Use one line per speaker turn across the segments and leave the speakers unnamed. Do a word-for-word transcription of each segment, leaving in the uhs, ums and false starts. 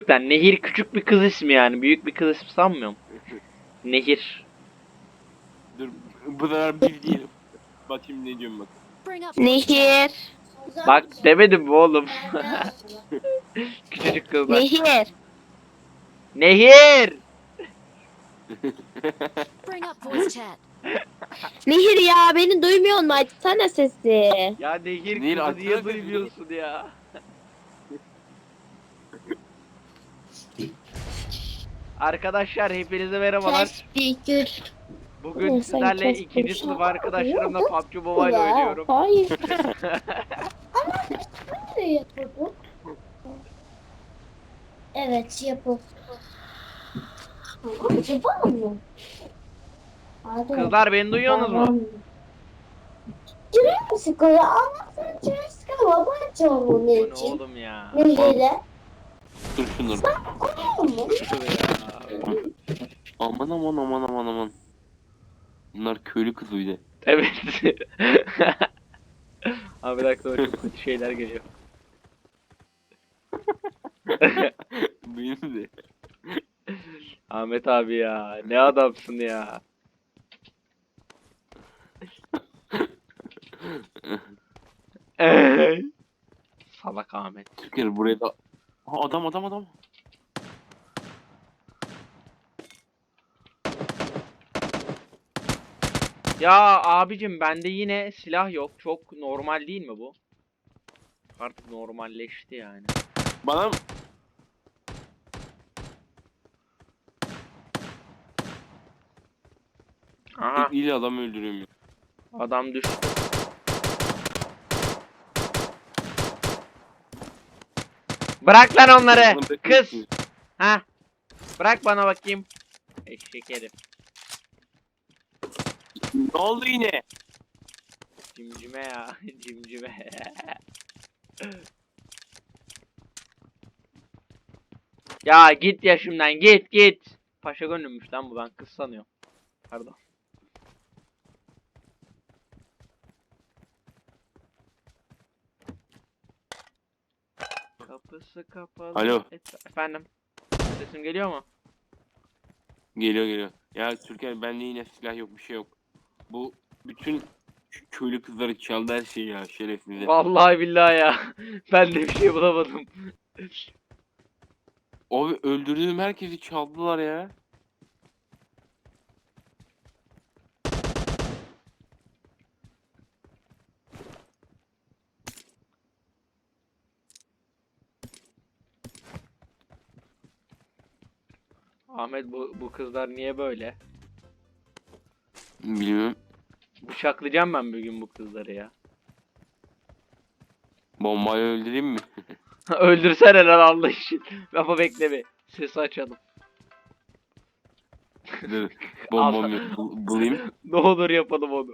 Yani Nehir küçük bir kız ismi yani. Büyük bir kız ismi sanmıyorum. Nehir.
Dur bu sefer bir diyelim. Bakayım ne diyorum bak.
Nehir.
Bak demedim mi oğlum? Küçücük kızlar.
Nehir.
Nehir!
Bring up voice chat.
Nehir ya beni duymuyor mu? Açsana sesi.
Ya Nehir
Nehir,
kızı
açsana
niye
sesini.
duymuyorsun ya? Arkadaşlar hepinize merhabalar.
Teşekkür.
Bugün
Neyse,
sizlerle
kes
ikinci
bu
sınıf
şey.
arkadaşlarımla P U B G Mobile oynuyorum.
Hayır. Ne yapıyorduk? Evet yapalım. Yapalım mı? Hadi.
Kızlar beni duyuyorsunuz mu?
Jurassic ya anlatsana Jurassic ama ben çalım
Bu
onun
ne
için.
oğlum ya?
Nehir'e.
Dur şunları.
Koyuyor mu?
Aman aman aman aman aman. Bunlar köylü kızı bir de.
Evet. Abi bir dakika çok kötü şeyler geliyor.
Benim de.
Ahmet abi ya ne adamsın ya. Ey! Salak Ahmet.
Türkiye buraya da. Ha, adam adam adam.
Ya abicim bende yine silah yok. Çok normal değil mi bu? Artık normalleşti yani.
Bana
Aha
tekniğiyle adam öldürüyorum ya.
adam düştü. Bırak lan onları.
Bana teknik
Kız.
diyor.
Ha. Bırak bana bakayım. Eşek herif.
Ne oldu yine?
Cimcime ya. Cimcime. Ya git yaşımdan git git. Paşa gönlümmüş lan bu, ben kız sanıyorum. Pardon. Kapısı kapalı.
Alo.
Et- Efendim. Sesim geliyor mu?
Geliyor geliyor. Ya Türkiye bende yine silah yok bir şey yok. Bu bütün şu köylü kızları çaldı her şeyi ya şerefsiz.
Vallahi billahi ya. Ben de bir şey bulamadım.
Abi öldürdüğüm herkesi çaldılar ya.
Ahmet bu bu kızlar niye böyle?
Bilmiyorum.
Bıçaklayacağım ben bugün bu kızları ya.
Bombayı öldüreyim mi?
Öldürsene lan Allah için. Ama bekle bir. Sesi açalım.
Dur. Bombamı bul- bulayım.
Ne olur yapalım onu.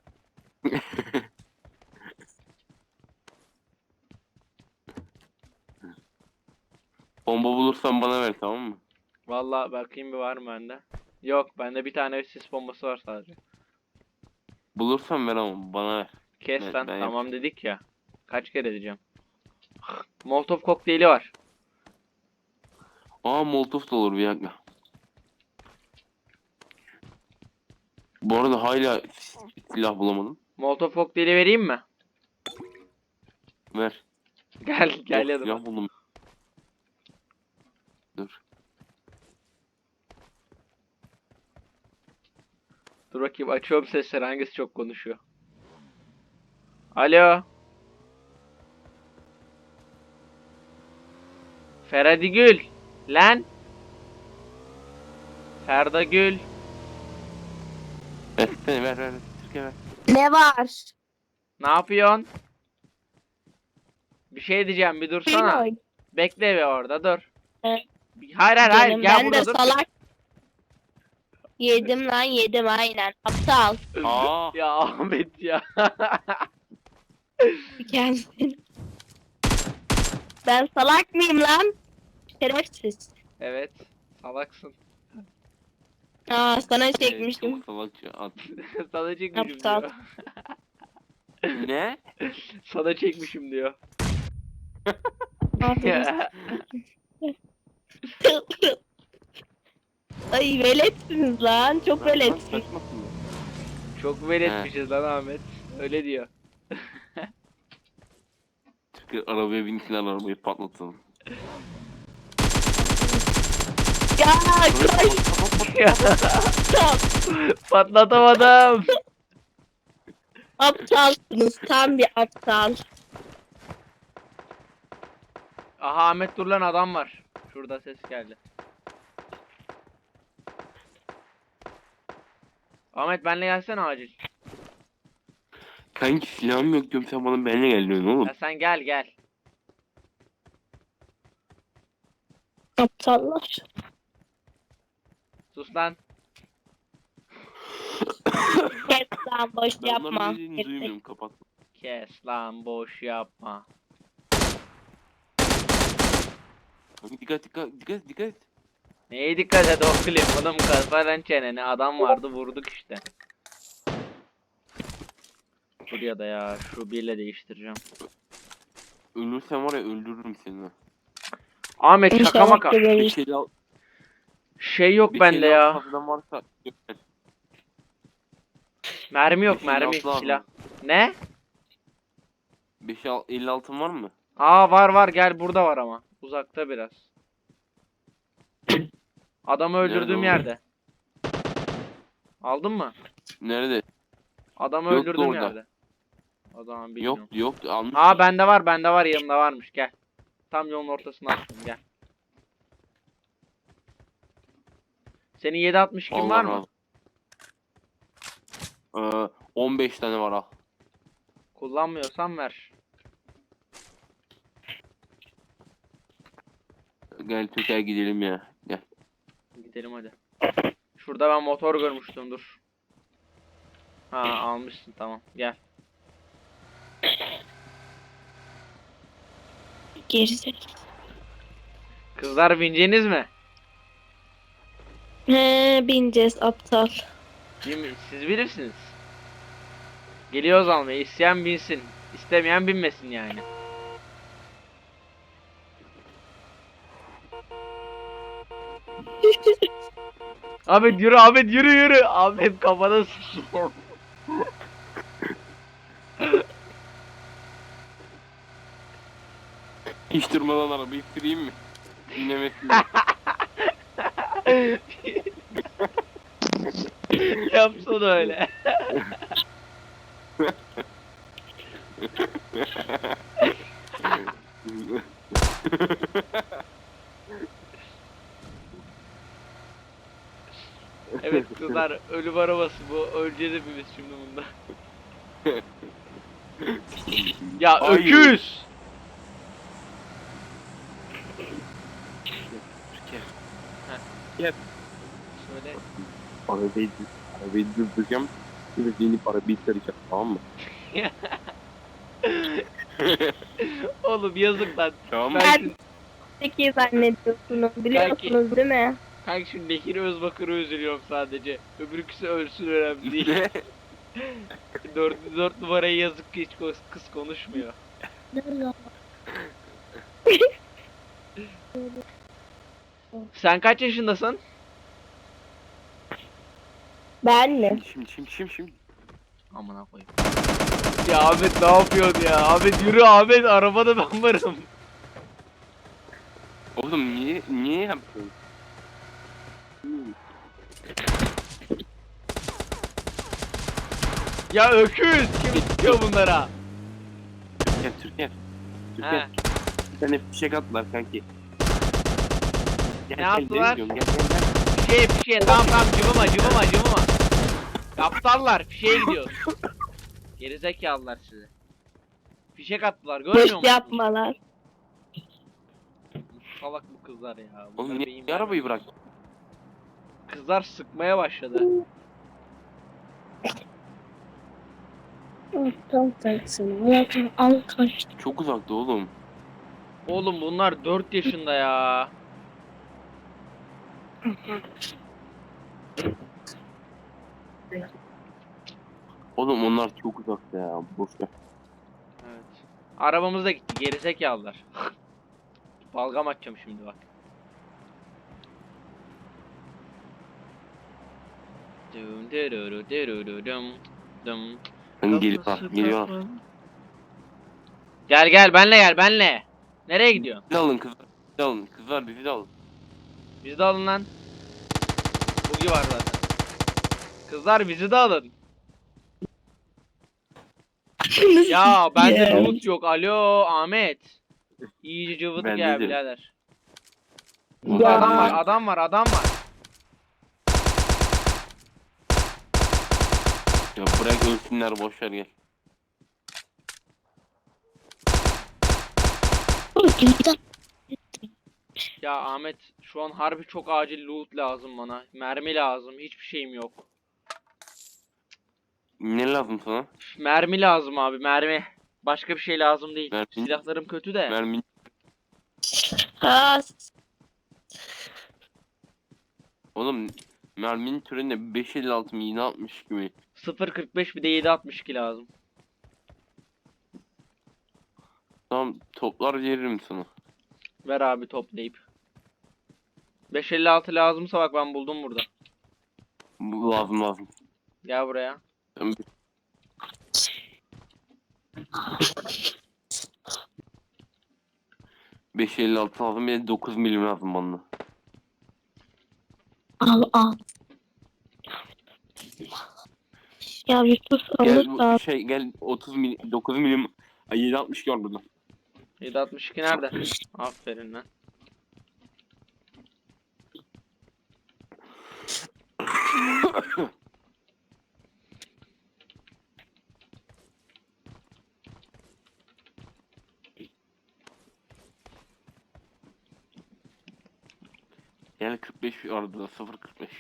Bomba bulursan bana ver tamam mı?
Vallahi bakayım bir var mı bende. Yok bende bir tane sis bombası var sadece.
Bulursan ver ama bana ver.
Kes
Ben-
lan
ben
tamam
yapacağım.
dedik ya. Kaç kere diyeceğim. Molotov kokteyli var.
Aa molotof da olur bir dakika. Bu arada hala silah bulamadım.
Molotov kokteyli vereyim mi?
Ver.
Gel gel
Yok,
yanıma.
silah buldum. Dur.
Dur bakayım açıyorum sesleri, hangisi çok konuşuyor. Alo. Feradi Gül. Lan. Ferda Gül.
Versene ver ver. ver. Türkiye ver.
Ne var?
Ne yapıyorsun? Bir şey diyeceğim, bir dursana.
Oyun.
Bekle bir orada dur.
Evet.
Bir- Hayır hayır hayır
Canım,
gel
ben
burada
de
dur.
salak. Yedim lan yedim aynen. Aptal.
Aa.
Ya Ahmet ya.
Kendin. Ben salak mıyım lan? Şerefsiz.
Evet. Salaksın.
Aa sana
Evet,
çekmiştim.
çok salakça at.
Sana çekmişim
Aptal.
diyor.
Ne?
Sana çekmişim diyor.
Aferin. Ay veletsiniz lan. Çok
Bırak lan,
veletsiniz.
kaçmasın ya.
Çok veletmişiz lan Ahmet. Öyle diyor.
Türkiye arabaya binsin arabayı patlatalım.
Ya koş. Aptal.
Patlatamadım.
Aptalsınız. Tam bir aptal.
Aha Ahmet dur lan adam var. Şurada ses geldi. Ahmet benle gelsene acil.
Kanki silahım yok diyorum, sen bana benimle gel diyorsun oğlum.
Ya sen gel gel.
Aptallar.
Sus lan.
Kes lan boş
Ben
yapma.
onların dediğini duymuyorum, kapat.
Kes lan boş yapma.
Kanki dikkat dikkat dikkat dikkat et.
Neye dikkat et o klip oğlum kafadan çeneni adam vardı vurduk işte. Buraya da ya şu birle değiştireceğim.
Ölürsen var ya öldürürüm seni.
Ahmet şaka
İnşallah
maka.
geberir.
Bir şey al.
Şey yok
Bir
bende
şey
ya.
fazladan varsa göster.
Mermi yok
beş elli
mermi
altı var mı?
silah. Ne?
beş elli altın var mı?
Aa var var gel burada var ama. Uzakta biraz. Adamı
Nerede
öldürdüğüm
oğlum?
yerde. Aldın mı?
Nerede?
Adamı
Yoktu
öldürdüğüm
orada.
yerde. O zaman bilmiyorum.
Yok yok almış.
Aa bende var bende var yanımda varmış gel. Tam yolun ortasına attım gel. Senin yedi altmış kim var mı?
Ee, on beş tane var al.
Kullanmıyorsan ver.
Gel Türkiye'ye gidelim ya. Gel.
Gidelim hadi. Şurada ben motor görmüştüm dur. Ha almışsın tamam gel.
Gerizekalı.
Kızlar bineceğiniz mi?
He bineceğiz aptal.
Bin- Siz bilirsiniz. Geliyoruz almaya. İsteyen binsin. İstemeyen binmesin yani. Ahmet yürü Ahmet yürü yürü. Ahmet kafana sıçıyor.
Hiç durmadan arabayı süreyim mi? Dinlemesin.
Yapsana öyle. Evet kızlar ölüm arabası bu. Öleceğiz hepimiz şimdi bunda. Ya
Hayır.
öküz.
Gel.
Söyle.
Arabayı, arabayı durduracağım. Şimdi inip arabayı saracağım, tamam mı?
Oğlum yazık lan.
Tamam mı?
Ben
Ben-
şu,
Peki zannediyorsunuz biliyorsunuz değil mi?
kanka şu Bekir Özbakır'ı üzülüyorum sadece. Öbürküsü ölsün önemli değil.
Ne?
dört, dört numarayı yazık ki hiç kız, kız konuşmuyor. Sen kaç yaşındasın?
Ben mi?
Şimdi şimdi şimdi şimdi.
Amına koyayım. Ya Ahmet ne yapıyorsun ya? Ahmet yürü Ahmet arabada ben varım.
Oğlum niye niye yaptın?
Ya öküz kim istiyor bunlara?
Türkiye Türkiye. Türkiye.
He.
Bir tane fişek attılar kanki. Gel,
Ne
gel,
yaptılar?
diyorum, Gel gel gel.
Fişeye fişeye tamam tamam cıvıma cıvıma cıvıma. Aptallar fişeye gidiyoruz. Gerizekalılar size. Fişek attılar görmüyor
Boş
musun?
yapmalar.
Salak bu kızlar ya. Bunlar
Oğlum
beyin
niye, niye arabayı
vermiyor.
bırak?
Kızlar sıkmaya başladı.
Aptal sensin. Allah'ım al kaçtı.
Çok uzakta oğlum.
Oğlum bunlar dört yaşında ya.
Oğlum onlar çok uzakta ya. Boş ver.
Evet. Arabamız da gitti gerizekalılar. Balgam atacağım şimdi bak. Dum dururu dururu dum dum.
Hani geliyor,
Kafası
geliyor.
kapalı. Gel gel benle gel benle. Nereye gidiyorsun?
Bizi de alın kızlar. Bizi de alın. Kızlar bizi de alın.
Bizi de alın lan. Bugi var zaten. Kızlar bizi de alın. Ya bende
Ya.
loot yok. Alo Ahmet. İyice cıvıdık
Bende
ya
de.
birader. Burada
Ya.
adam var adam var adam var.
Ya bırak ölsünler, boşver gel.
Ya Ahmet şu an harbi çok acil loot lazım bana. Mermi lazım. Hiçbir şeyim yok.
Ne lazım sana?
Üf, mermi lazım abi mermi. Başka bir şey lazım değil.
Mermi.
Silahlarım kötü de.
Mermi.
Ha,
Oğlum merminin türünde beş elli altı mı yine altmış gibi.
sıfır kırk beş bir de yedi altmış iki lazım.
Tamam, toplar veririm sana.
Ver abi toplayıp. beş elli altı lazımsa bak ben buldum burada.
Bu lazım lazım.
Gel buraya.
Ben- beş elli altı lazım, bir de dokuz milim lazım bana.
al al. Ya bir sus
Gel
alırsa.
bu şey gel otuz milim, dokuz milim, ay yedi altmış gör burada.
yedi altmış iki nerede? Aferin lan.
Gel kırk beş var burada, sıfır kırk beş.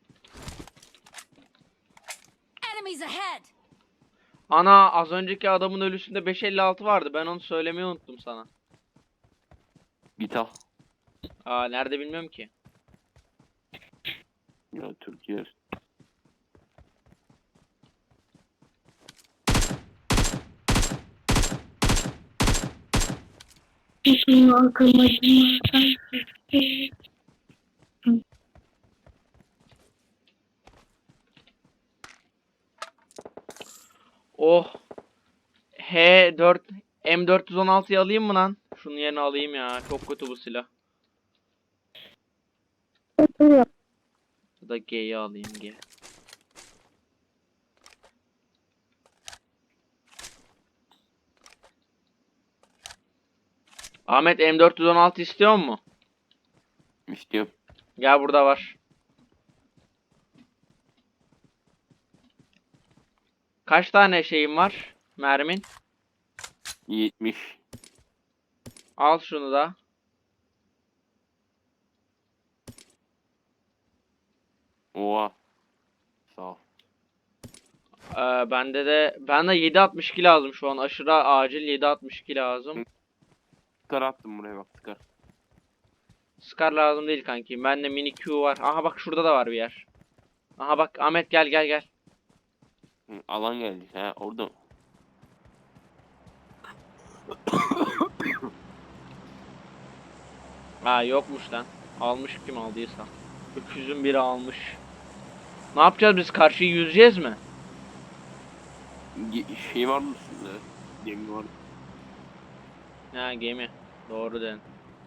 Enemies ahead!
Ana az önceki adamın ölüsünde beş elli altı vardı. Ben onu söylemeyi unuttum sana.
Git al.
Aa nerede bilmiyorum ki.
Ya Türkiye.
Oh. H dört M dört yüz on altıyı alayım mı lan? Şunun yerine alayım ya. Çok kötü bu silah. Ya da G'yi alayım G. Ahmet M dört yüz on altı istiyor mu?
İstiyorum.
Gel burada var. Kaç tane şeyim var? Mermin.
yetmiş.
Al şunu da.
Oha. Sağ ol.
Ee, bende de bende yedi altmış iki lazım şu an. Aşırı acil yedi altmış iki lazım.
Skar attım buraya, bak skar.
Scar lazım değil kanki. Bende mini Q var. Aha bak şurada da var bir yer. Aha bak Ahmet gel gel gel.
Hı, alan geldi. Ha orada mı?
Ha yokmuş lan. Almış kim aldıysa. Öküzün biri almış. Ne yapacağız biz? Karşıyı yüzeceğiz mi?
Ge- Şey var mı üstünde? Gemi var.
Ha gemi. Doğru dedin.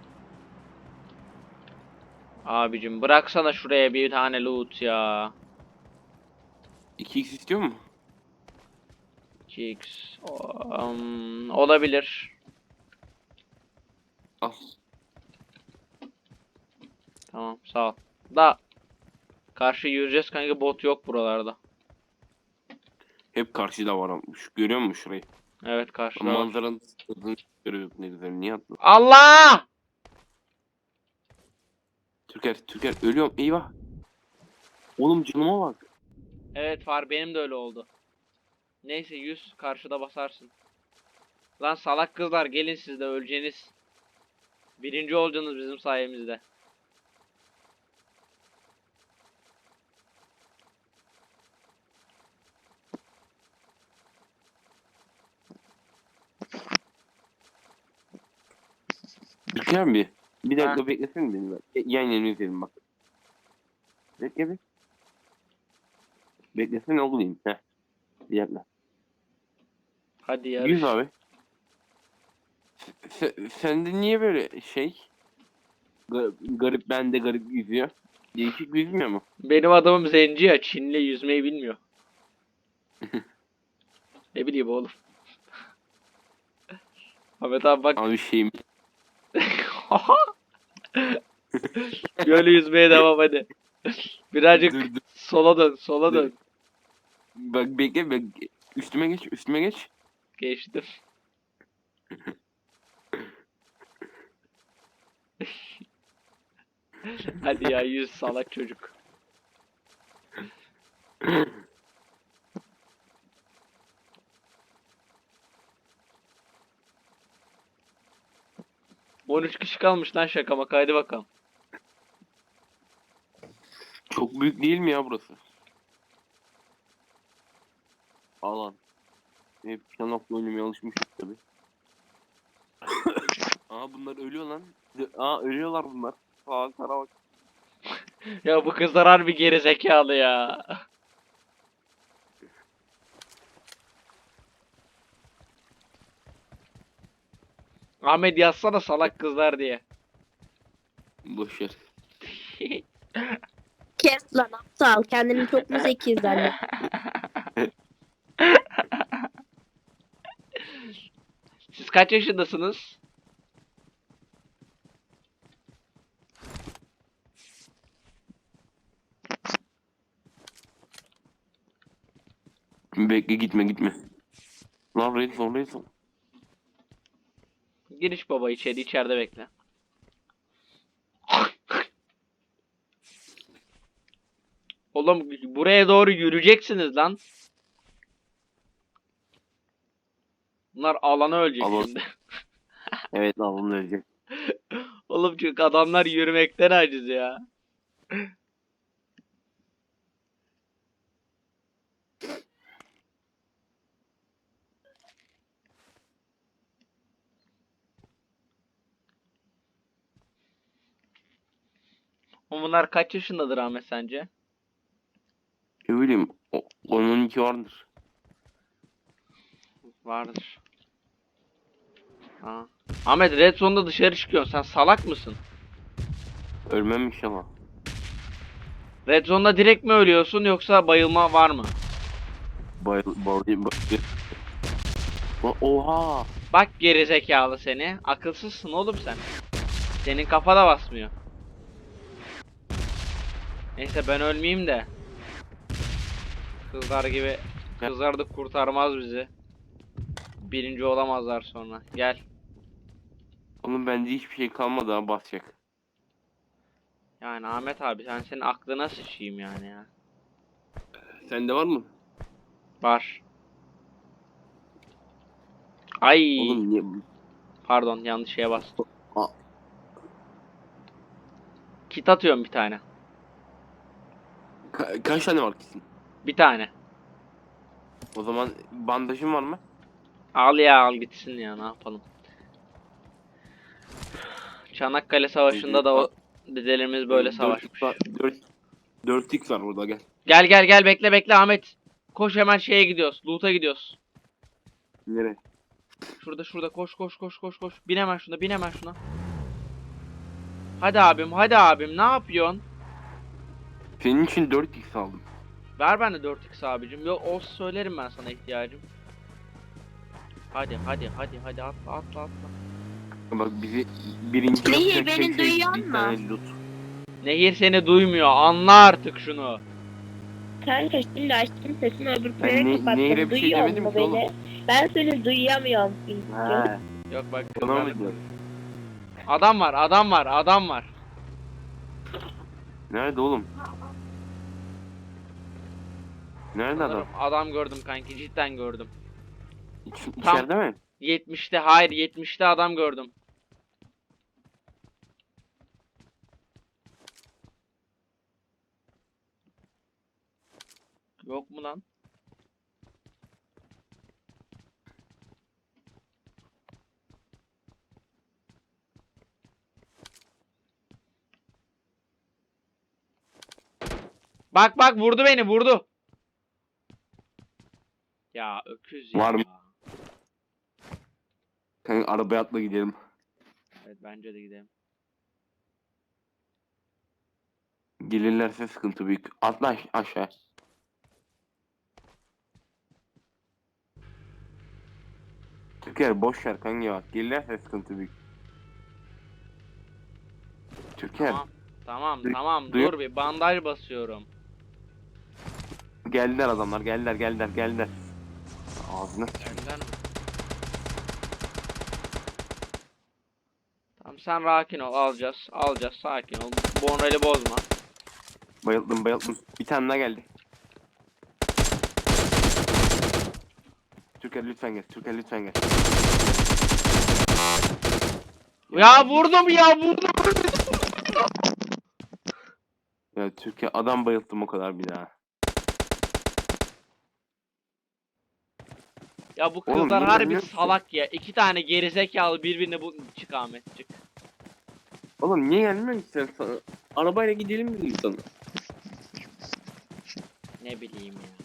Abicim bıraksana şuraya bir tane loot ya.
iki x istiyor mu?
iki x. Um, olabilir.
Al.
Tamam sağ ol. Da karşı yürüyeceğiz kanka, bot yok buralarda.
Hep karşıda var ama. Şu, görüyor musun şurayı?
Evet karşıda var.
Manzaranın tadını görüyoruz, ne güzel. Niye attın?
Allah!
Türker, Türker ölüyorum. Eyvah. Oğlum canıma bak.
Evet Far benim de öyle oldu. Neyse yüz karşıda basarsın. Lan salak kızlar gelin siz de öleceğiniz. Birinci olacaksınız bizim sayemizde.
Türker bir. Bir dakika
Ha.
beklesene beni bak. E, Yan yana izleyelim bak. Bekle bir. Beklesene olayım. Heh. Bir dakika.
Hadi yarış.
Yüz abi. Sen, sende niye böyle şey? Garip, garip bende garip yüzüyor. Değişik yüzmüyor mu?
Benim adamım zenci ya. Çinli yüzmeyi bilmiyor. Ne bileyim oğlum. Ahmet abi bak.
Abi şeyim.
Böyle yüzmeye devam hadi. Birazcık
Dur, dur.
sola dön, sola
Dur.
dön.
Bak bekle bek. Üstüme geç, üstüme geç.
Geçtim. Hadi ya yüz salak çocuk. on üç kişi kalmış lan şaka maka hadi bakalım.
Çok büyük değil mi ya burası? Alan. Hep kanatla oynamaya alışmışız tabi. Aa bunlar ölüyor lan. Aa ölüyorlar bunlar. Aa kara bak.
Ya bu kızlar harbi geri zekalı ya. Ahmet yazsana salak kızlar diye.
Boşver.
Kes lan aptal. Kendini çok mu zeki zannet?
Siz kaç yaşındasınız?
Bekle gitme gitme. Lan red zone red zone.
Giriş baba içeri içeride bekle. Oğlum buraya doğru yürüyeceksiniz lan. Bunlar alana ölecek
Alan.
şimdi.
Evet alan ölecek.
Oğlum çünkü adamlar yürümekten aciz ya. Oğlum bunlar kaç yaşındadır Ahmet sence?
Ne bileyim o- on on iki vardır.
Vardır. Ha. Ahmet Red Zone'da dışarı çıkıyorsun. Sen salak mısın?
Ölmem inşallah.
Red Zone'da direkt mi ölüyorsun yoksa bayılma var mı?
Bayıl bayıl bayıl. Lan oha.
Bak geri zekalı seni. Akılsızsın oğlum sen. Senin kafa da basmıyor. Neyse ben ölmeyeyim de. Kızlar gibi. Kızlar da kurtarmaz bizi. Birinci olamazlar sonra. Gel.
Oğlum bende hiçbir şey kalmadı ha basacak.
Yani Ahmet abi sen senin aklına sıçayım yani ya.
Sende var mı?
Var. Ay.
Oğlum niye?
Pardon yanlış şeye bastım.
Aa.
Kit atıyorum bir tane.
Ka- kaç tane var kesin?
Bir tane.
O zaman bandajın var mı?
Al ya al gitsin ya ne yapalım. Çanakkale Savaşı'nda da o dedelerimiz böyle savaşmış.
dört x var burada gel.
Gel gel gel bekle bekle Ahmet. Koş hemen şeye gidiyoruz. Loot'a gidiyoruz.
Nereye?
Şurada şurada koş koş koş koş koş. Bin hemen şuna bin hemen şuna. Hadi abim hadi abim ne yapıyorsun?
Senin için dört x aldım.
Ver bende dört x abicim. Yok olsa söylerim ben sana ihtiyacım. Hadi hadi hadi hadi atla atla atla.
Bak bizi birinci
Nehir,
yapacak
beni
tek şey
duyuyor
bir
musun?
tane loot.
Nehir seni duymuyor. Anla artık şunu.
Kanka şimdi açtım sesini öbür
Ben
plana
ne-
kapattım.
Nehir'e bir şey
Duyuyor
demedim
mu
ki oğlum.
beni? Ben seni duyamıyorum çünkü.
Ha.
Yok bak
Ona mı
kızlar.
diyorsun?
Adam var adam var adam var.
Nerede oğlum? Nerede adam?
Sanırım adam gördüm kanki cidden gördüm.
İç,
Tam-
içeride mi?
yetmişte hayır yetmişte adam gördüm. Yok mu lan? Bak bak vurdu beni vurdu. Ya öküz ya.
Var mı? Kanka arabaya atla gidelim.
Evet bence de gidelim.
Gelirlerse sıkıntı büyük. Atla aş- aşağı. Türker boş ver kanka bak. Gelirlerse sıkıntı büyük. Türker
Tamam. Tamam
Duy-
tamam
duyuyor-
dur bir bandaj basıyorum.
geldiler adamlar geldiler geldiler geldiler. Ağzına sıçayım.
Önden mi? Tamam sen rakin ol alacağız. Alacağız sakin ol. Bonreli bozma.
Bayıldım bayıldım. Bir tane daha geldi. Türker lütfen gel. Türker lütfen gel.
Ya vurdum ya vurdum.
Ya Türkiye adam bayılttım o kadar bir daha.
Ya bu
Oğlum,
kızlar
niye
harbi
bilmiyor musun?
salak ya. İki tane gerizekalı birbirine bu çık Ahmet çık.
Oğlum niye gelmiyorsun ki sen sana? Arabayla gidelim dedim sana.
Ne bileyim ya.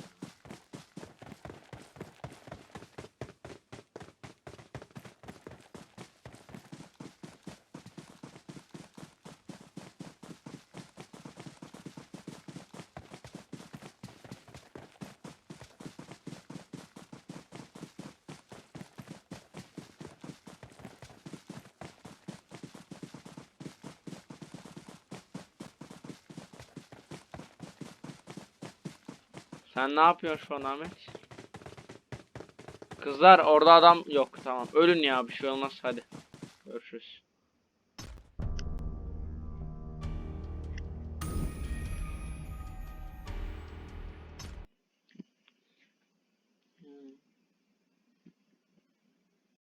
Sen ne yapıyorsun şu an Ahmet? Kızlar orada adam yok tamam. Ölün ya bir şey olmaz hadi.